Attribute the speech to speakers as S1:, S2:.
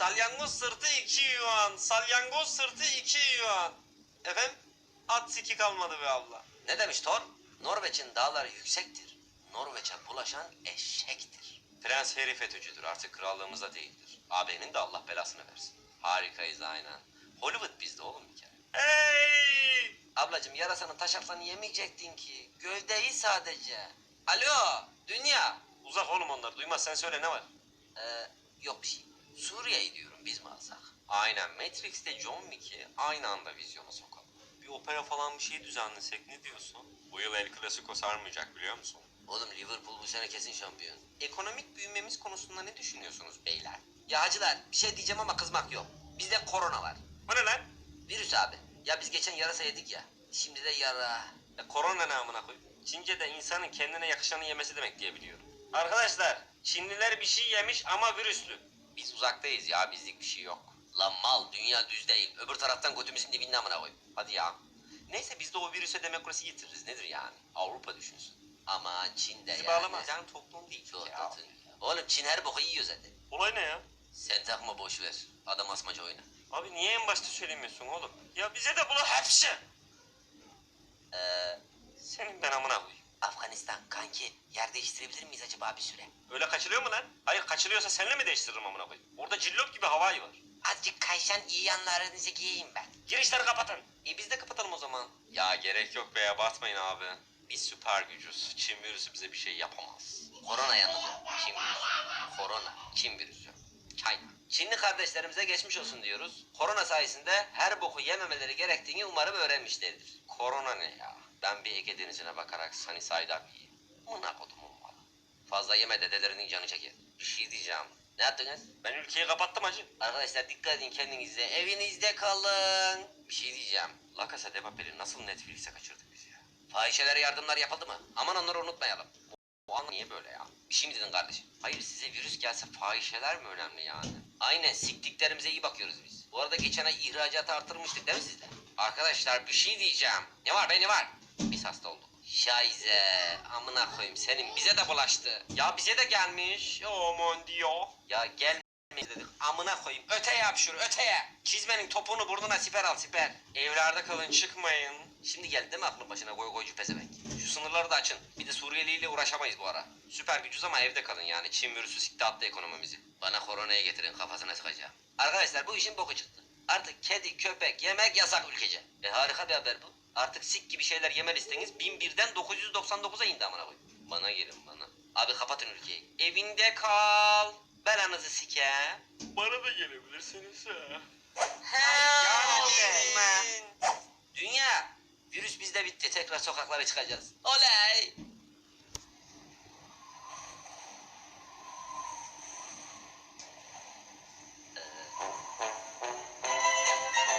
S1: Salyangoz sırtı 2 yuan. Salyangoz sırtı 2 yuan. Efendim? At siki kalmadı be abla.
S2: Ne demiş Thor? Norveç'in dağları yüksektir. Norveç'e bulaşan eşektir.
S1: Prens Harry FETÖ'cüdür. Artık krallığımızda değildir. AB'nin de Allah belasını versin.
S2: Harikayız aynen. Hollywood bizde oğlum bir kere.
S1: Hey!
S2: Ablacım yarasanın taşaklarını yemeyecektin ki. Gövdeyi sadece. Alo dünya.
S1: Uzak oğlum onlar. Duymaz, sen söyle, ne var?
S2: Yok bir şey. Suriye'yi diyorum biz mi alsak?
S1: Aynen. Matrix'te John Wick'i aynı anda vizyona sokalım. Bir opera falan bir şey düzenlesek, ne diyorsun? Bu yıl El Clasico sarmayacak, biliyor musun?
S2: Oğlum Liverpool bu sene kesin şampiyon.
S1: Ekonomik büyümemiz konusunda ne düşünüyorsunuz beyler?
S2: Ya hacılar bir şey diyeceğim ama kızmak yok. Bizde korona var.
S1: Bu ne lan?
S2: Virüs abi. Ya biz geçen yarasa yedik ya. Şimdi de yara.
S1: Korona ne amına koyayım? Çince'de insanın kendine yakışanı yemesi demek diye biliyorum. Arkadaşlar, Çinliler bir şey yemiş ama virüslü.
S2: Biz uzaktayız ya bizlik bir şey yok. Lan mal dünya düz değil. Öbür taraftan götümüzün dibinde amına koyayım.
S1: Hadi ya. Neyse biz de o virüse demokrasi getiririz. Nedir yani? Avrupa düşünsün.
S2: Aman Çin'de
S1: Bizi
S2: yani.
S1: bağlamaz. Yani toplum değil
S2: Çok
S1: ya.
S2: tatlı ya. Oğlum Çin her boku yiyor zaten.
S1: Olay ne ya?
S2: Sen takma boş ver. Adam asmaca oyna.
S1: Abi niye en başta söylemiyorsun oğlum? Ya bize de bunu hepsi. Senin ben amına koyayım.
S2: Afganistan kanki yer değiştirebilir miyiz acaba bir süre?
S1: Öyle kaçırıyor mu lan? Hayır, kaçırıyorsa seninle mi değiştiririm amına koyayım? Orada cillop gibi havai var.
S2: Azıcık kayşan iyi yanlarınızı giyeyim ben.
S1: Girişleri kapatın. Biz de kapatalım o zaman. Ya gerek yok be, abartmayın abi. Biz süper gücüz. Çin virüsü bize bir şey yapamaz.
S2: Korona yalnız o. Çin virüsü. Korona. Çin virüsü. China. Çinli kardeşlerimize geçmiş olsun diyoruz. Korona sayesinde her boku yememeleri gerektiğini umarım öğrenmişlerdir.
S1: Korona ne ya? Ben bir Ege Denizi'ne bakarak Sunny Side Up yiyeyim. Mına kodumun malı.
S2: Fazla yeme dedelerinin canı çeker.
S1: Bir şey diyeceğim.
S2: Ne yaptınız?
S1: Ben ülkeyi kapattım hacı.
S2: Arkadaşlar dikkat edin kendinize. Evinizde kalın.
S1: Bir şey diyeceğim. La Casa de Papel'i nasıl Netflix'e kaçırdık biz ya?
S2: Fahişelere yardımlar yapıldı mı? Aman onları unutmayalım.
S1: Bu an niye böyle ya?
S2: Bir şey mi dedin kardeşim?
S1: Hayır, size virüs gelse fahişeler mi önemli yani?
S2: Aynen siktiklerimize iyi bakıyoruz biz. Bu arada geçen ay ihracatı artırmıştık değil mi sizde?
S1: Arkadaşlar bir şey diyeceğim.
S2: Ne var be ne var?
S1: Biz hasta olduk.
S2: Şaize amına koyayım senin bize de bulaştı.
S1: Ya bize de gelmiş. Aman diyor.
S2: Ya gelme dedik amına koyayım öteye yap şunu öteye.
S1: Çizmenin topunu burnuna siper al siper. Evlerde kalın, çıkmayın.
S2: Şimdi geldi değil mi aklın başına goy goycu pezevenk?
S1: Şu sınırları da açın. Bir de Suriyeliyle uğraşamayız bu ara. Süper gücüz ama evde kalın yani. Çin virüsü sikti attı ekonomimizi.
S2: Bana koronayı getirin kafasına sıkacağım. Arkadaşlar bu işin boku çıktı. Artık kedi köpek yemek yasak ülkece. Harika bir haber bu. Artık sik gibi şeyler yeme listeniz 1001'den 999'a indi amına koyayım. Bana gelin bana. Abi kapatın ülkeyi. Evinde kal. Belanızı sike.
S1: Bana da gelebilirsiniz ha.
S2: Dünya. Virüs bizde bitti. Tekrar sokaklara çıkacağız. Oley.